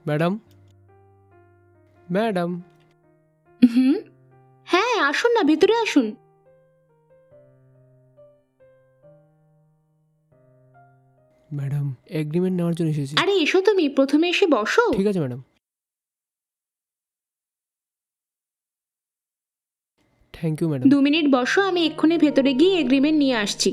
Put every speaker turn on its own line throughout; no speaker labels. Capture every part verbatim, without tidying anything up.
Madam madam
হুম। হ্যাঁ, আসুন না, ভেতরে আসুন।
ম্যাডাম এগ্রিমেন্ট নেওয়ার জন্য এসেছি।
আরে এসো, তুমি প্রথমে এসে বসো।
ঠিক আছে ম্যাডাম, থ্যাংক ইউ ম্যাডাম।
দু মিনিট বসো, আমি এক্ষুনি ভেতরে গিয়ে এগ্রিমেন্ট নিয়ে আসছি।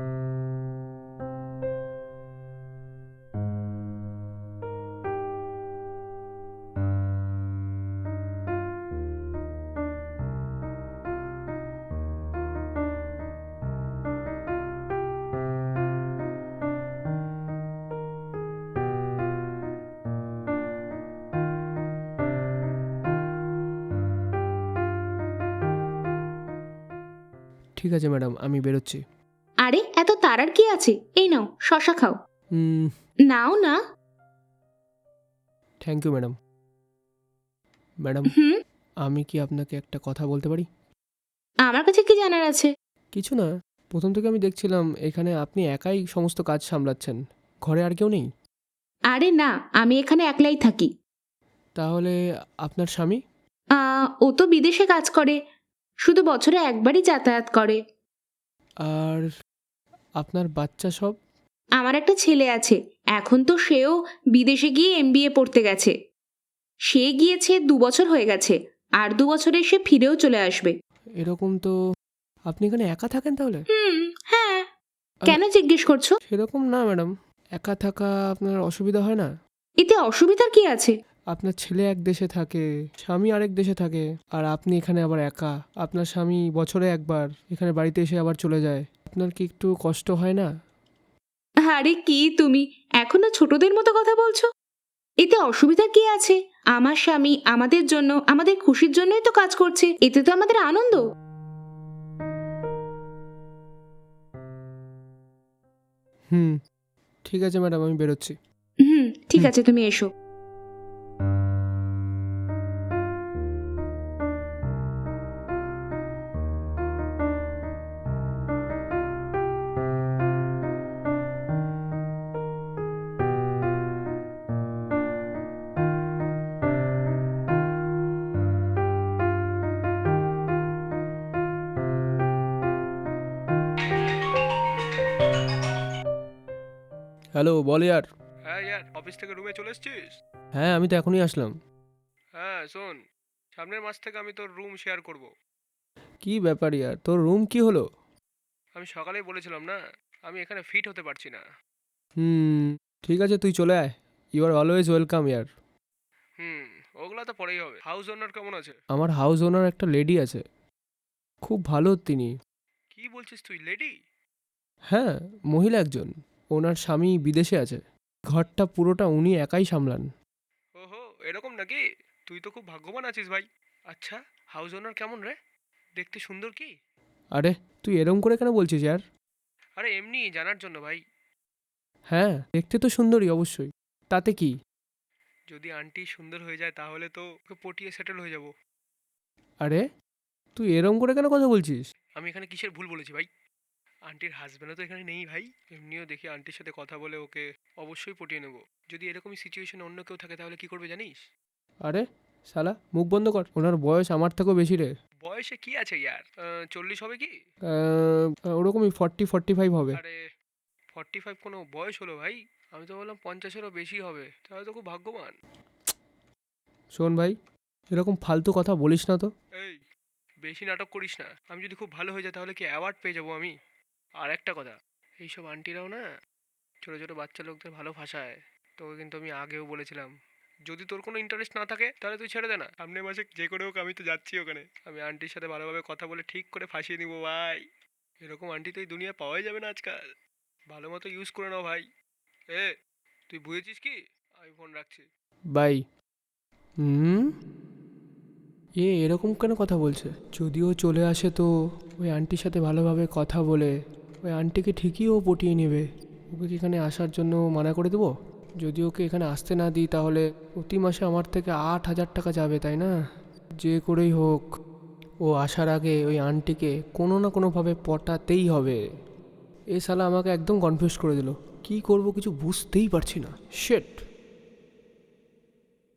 ঠিক আছে ম্যাডাম, আমি বেরোচ্ছি।
আরে এত তাড়ার কি আছে? এই নাও, শশা খাও।
হুম,
নাও না।
Thank you madam. ম্যাডাম,
হুম।
আমি কি আপনাকে একটা কথা বলতে পারি?
আমার কাছে কি জানার আছে?
কিছু না, প্রথম থেকে আমি দেখছিলাম এখানে আপনি একাই সমস্ত কাজ সামলাচ্ছেন, ঘরে আর কেউ নেই।
আরে না, আমি এখানে একলাই থাকি।
তাহলে আপনার স্বামী?
আহ, ও তো বিদেশে কাজ করে, শুধু বছরে একবারই যাতায়াত করে।
আর আপনার বাচ্চা সব?
আমার একটা ছেলে আছে, এখন তো সেও বিদেশে গিয়ে এমবিএ পড়তে গেছে। সে গিয়েছে দু বছর হয়ে গেছে, আর দু বছরে সে ফিরেও চলে আসবে।
এরকম তো আপনি এখানে একা থাকেন তাহলে?
হুম। হ্যাঁ। কেন জিজ্ঞেস করছো?
সেরকম না ম্যাডাম, একা থাকা আপনার অসুবিধা হয় না?
এতে অসুবিধার কি আছে?
আপনার ছেলে এক দেশে থাকে, স্বামী আরেক দেশে থাকে, আর আপনি এখানে আবার একা। আপনার স্বামী বছরে একবার এখানে বাড়িতে এসে আবার চলে যায়। আপনার কি একটু কষ্ট হয় না?
আরে কি তুমি এখনো ছোটদের মতো কথা বলছো? এতে অসুবিধার কি আছে? আমার স্বামী আমাদের জন্য, আমাদের খুশির জন্যই তো কাজ করছে, এতে তো আমাদের আনন্দ।
হুম, ঠিক আছে ম্যাডাম, আমি বেরোচ্ছি।
হুম, ঠিক
হুম।
আছে, তুমি এসো।
হ্যালো, বল ইয়ার।
হ্যাঁ ইয়ার, অফিস থেকে রুমে চলে এসেছিস?
হ্যাঁ, আমি তো এখনই আসলাম।
হ্যাঁ শোন, সামনের মাস থেকে আমি তোর রুম শেয়ার করব।
কি ব্যাপার ইয়ার, তোর রুম কি হলো?
আমি সকালেই বলেছিলাম না, আমি এখানে ফিট হতে পারছি না।
হুম, ঠিক আছে, তুই চলে আয়। ইউ আর অলওয়েজ ওয়েলকাম ইয়ার।
হুম, ওগুলো তো পরেই হবে। হাউস ওনার কেমন আছে?
আমার হাউস ওনার একটা লেডি আছে, খুব ভালো তিনি।
কি বলছিস তুই, লেডি?
হ্যাঁ, মহিলা একজন। ওনার স্বামী বিদেশে আছে, ঘরটা পুরোটা উনি একাই সামলান।
ওহো, এরকম নাকি? তুই তো খুব ভাগ্যবান আছিস ভাই। আচ্ছা, হাউস ওনার কেমন রে? দেখতে সুন্দর কি?
আরে, তুই এরম করে কেন বলছিস ইয়ার?
আরে এমনি জানার জন্য ভাই।
হ্যাঁ, দেখতে তো সুন্দরী অবশ্যই, তাতে কি?
যদি আন্টি সুন্দর হয়ে যায় তাহলে তো ওকে পটিয়ে সেটেল হয়ে যাব।
আরে, তুই এরম করে কেন কথা বলছিস?
আমি এখানে কিসের ভুল বলেছি ভাই? আন্টির হাজব্যান্ডও তো এখানে নেই ভাই। এমনিও দেখি আন্টির সাথে কথা বলে ওকে অবশ্যই পটিয়ে নেব। যদি এরকমই সিচুয়েশন অন্য কেউ থাকে তাহলে কি করবে জানিস?
আরে শালা, মুখ বন্ধ কর, ওনার বয়স আমার থেকেও বেশি রে।
বয়সে কি আছে ইয়ার, আহ, চল্লিশ হবে কি?
আহ, ওরকমই ফর্টি ফর্টি ফাইভ হবে।
আরে ফর্টি ফাইভ কোনো বয়স হলো ভাই? আমি তো বললাম পঞ্চাশেরও বেশি হবে, তাহলে তো খুব ভাগ্যবান।
শোন ভাই, এরকম ফালতু কথা বলিস না তো।
এই, বেশি নাটক করিস না। আমি যদি খুব ভালো হয়ে যায় তাহলে কি অ্যাওয়ার্ড পেয়ে যাবো আমি? আর একটা কথা, এইসব আন্টিরাও না ছোটো ছোটো বাচ্চা লোকদের ভালো ভাষায়। তোকে কিন্তু আমি আগেও বলেছিলাম, যদি তোর কোনো ইন্টারেস্ট না থাকে তাহলে তুই ছেড়ে দে না। সামনের মাসে যে করে হোক আমি তো যাচ্ছি ওখানে। আমি আন্টির সাথে ভালোভাবে কথা বলে ঠিক করে ফাঁসিয়ে নিবো ভাই। এরকম আন্টি তো এই দুনিয়া পাওয়াই যাবে না আজকাল। ভালো মতো ইউজ করে নাও ভাই। এ, তুই বুঝেছিস কি? আমি ফোন রাখছি।
বাই। হুম, এ এরকম কেন কথা বলছে? যদিও চলে আসে তো ওই আন্টির সাথে ভালোভাবে কথা বলে ওই আন্টিকে ঠিকই ও পটিয়ে নেবে। ওকে কি এখানে আসার জন্য মানা করে দেবো? যদি ওকে এখানে আসতে না দিই তাহলে প্রতি মাসে আমার থেকে আট হাজার টাকা যাবে, তাই না? যে করেই হোক ও আসার আগে ওই আন্টিকে কোনো না কোনোভাবে পটাতেই হবে। এ শালা আমাকে একদম কনফিউজ করে দিল, কি করব কিছু বুঝতেই পারছি না। শেট।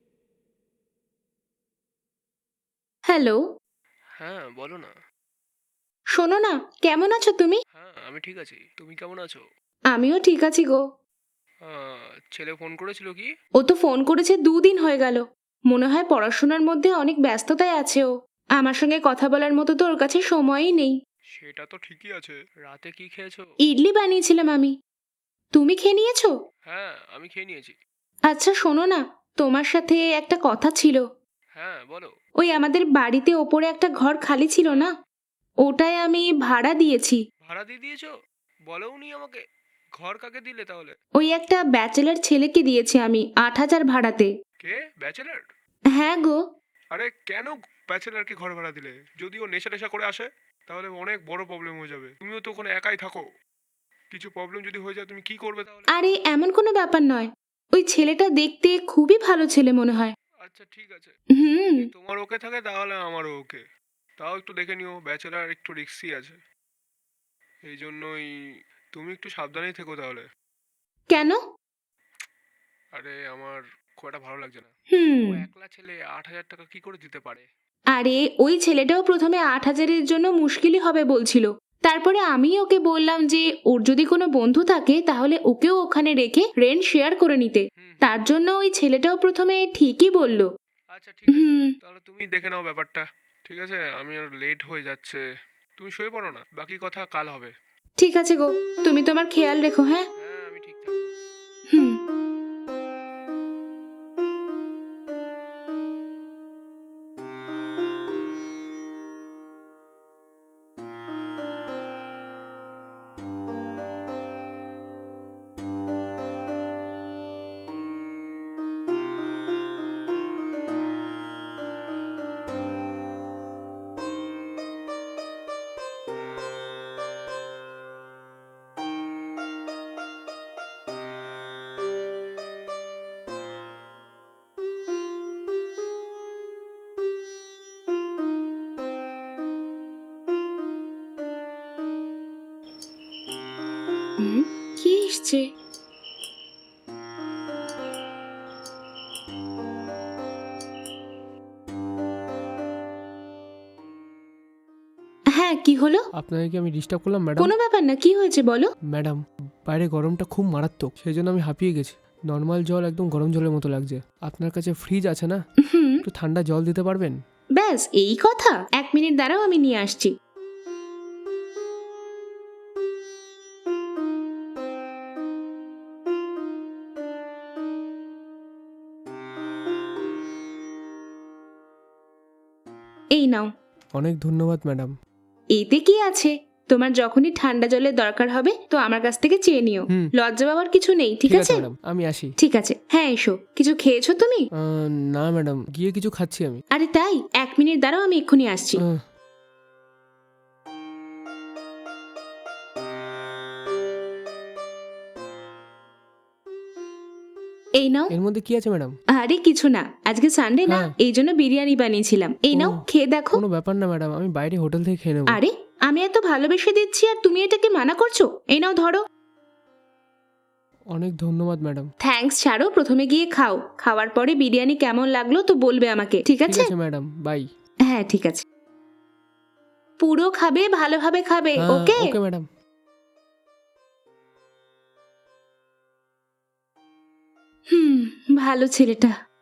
হ্যালো,
হ্যাঁ বলো না।
শোনো না, কেমন আছো তুমি?
হ্যাঁ আমি ঠিক আছি, তুমি কেমন আছো?
আমিও ঠিক আছি গো।
আহ, ছেলে ফোন করেছিল কি?
ও তো ফোন করেছে দুদিন হয়ে গেল। মনে হয় পড়াশোনার মধ্যে অনেক ব্যস্ততায় আছে ও। আমার সঙ্গে কথা বলার মতো তো ওর কাছে সময়ই নেই।
সেটা তো ঠিকই আছে, রাতে কি খেয়েছো?
ইডলি বানিয়েছিলাম আমি। তুমি খেয়ে নিয়েছো?
হ্যাঁ আমি খেয়ে নিয়েছি।
আচ্ছা শোনো না, তোমার সাথে একটা কথা ছিল।
হ্যাঁ বলো।
ওই আমাদের বাড়িতে ওপরে একটা ঘর খালি ছিল না, ওটায় আমি ভাড়া দিয়েছি।
ভাড়া দিয়ে দিয়েছো? বলোনি আমাকে। ঘর কাকে দিলে তাহলে?
ওই একটা ব্যাচেলার ছেলেকে দিয়েছি আমি আট হাজার ভাড়াতে।
কে, ব্যাচেলার?
হ্যাঁ গো।
আরে কেন ব্যাচেলারকে ঘর ভাড়া দিলে? যদি ও নেশা টেশা করে আসে তাহলে অনেক বড় প্রবলেম হয়ে যাবে। তুমিও তো ওখানে একাই থাকো, কিছু প্রবলেম যদি হয়ে যায় তুমি কি করবে তাহলে?
আরে এমন কোনো ব্যাপার নয়, ওই ছেলেটা দেখতে খুবই ভালো ছেলে মনে হয়।
আচ্ছা ঠিক আছে,
হুম।
যদি তোমার ওকে থাকে তাহলে আমারও ওকে। তাও একটু দেখে নিও, ব্যাচেলার একটু রিস্কি আছে, এই জন্যই তুমি একটু সাবধানেই থেকো তাহলে।
কেন?
আরে আমার খুব একটা ভালো লাগছে না।
হুম।
ও একলা ছেলে আট হাজার টাকা কি করে দিতে পারে?
আরে ওই ছেলেটাও প্রথমে আট হাজারের জন্য মুশকিলই হবে বলছিল। তারপরে আমি ওকে বললাম যে ওর যদি কোনো বন্ধু থাকে তাহলে ওকেও ওখানে রেখে রেন্ট শেয়ার করে নিতে।
হুম হুম।
তার জন্য ওই ছেলেটাও প্রথমে ঠিকই বলল।
আচ্ছা ঠিক আছে,
হুম।
তাহলে তুমি দেখে নাও ব্যাপারটা। ঠিক আছে, আমি আর লেট হয়ে যাচ্ছে, তুমি শুয়ে পড়ো না, বাকি কথা কাল হবে।
ঠিক আছে গো, তুমি তোমার খেয়াল রেখো, হ্যাঁ।
হ্যাঁ আমি ঠিক থাকবো।
হুম। হুম, কি এসছে? হ্যাঁ, কি হলো?
আপনাকে কি আমি ডিস্টার্ব করলাম ম্যাডাম?
কোনো ব্যাপার না, কি হয়েছে বলো।
ম্যাডাম, বাইরে গরমটা খুব মারাত্মক, সেই জন্য আমি হাঁপিয়ে গেছি। নর্মাল জল একদম গরম জলের মতো লাগছে। আপনার কাছে ফ্রিজ আছে না?
হুম।
একটু ঠান্ডা জল দিতে পারবেন?
ব্যাস এই কথা, এক মিনিট দাঁড়াও, আমি নিয়ে আসছি। এই নাও।
অনেক ধন্যবাদ ম্যাডাম।
এতে কি আছে, তোমার যখনই ঠান্ডা জলের দরকার হবে তো আমার কাছ থেকে চেয়ে নিও।
হুম।
লজ্জা পাওয়ার কিছু নেই, ঠিক আছে?
ম্যাডাম, আমি আসি।
ঠিক আছে, হ্যাঁ এসো। কিছু খেয়েছো তুমি?
আহ, না ম্যাডাম, গিয়ে কিছু খাচ্ছি আমি।
আরে তাই? এক মিনিট দাঁড়াও, আমি এক্ষুনি আসছি।
আহ,
এই নাও।
এর মধ্যে কি আছে ম্যাডাম?
আরে কিছু না, আজকে সানডে না,
হ্যাঁ।
এই জন্য বিরিয়ানি বানিয়েছিলাম। এই নাও,
ও,
খেয়ে দেখো।
কোনো ব্যাপার না ম্যাডাম, আমি বাইরে হোটেল থেকে খেয়ে নেবো।
আরে আমি এত ভালোবেসে দিচ্ছি আর তুমি এটাকে মানা করছো? এই নাও ধরো।
অনেক ধন্যবাদ ম্যাডাম।
থ্যাঙ্কস ছাড়ো, প্রথমে গিয়ে খাও। খাওয়ার পরে বিরিয়ানি কেমন লাগলো তো বলবে আমাকে, ঠিক
ঠিক
আছে?
আছে ম্যাডাম, বাই।
হ্যাঁ ঠিক আছে। পুরো খাবে, ভালোভাবে খাবে,
হ্যাঁ,
ওকে?
Okay madam.
হুম, ভালো ছেলেটা।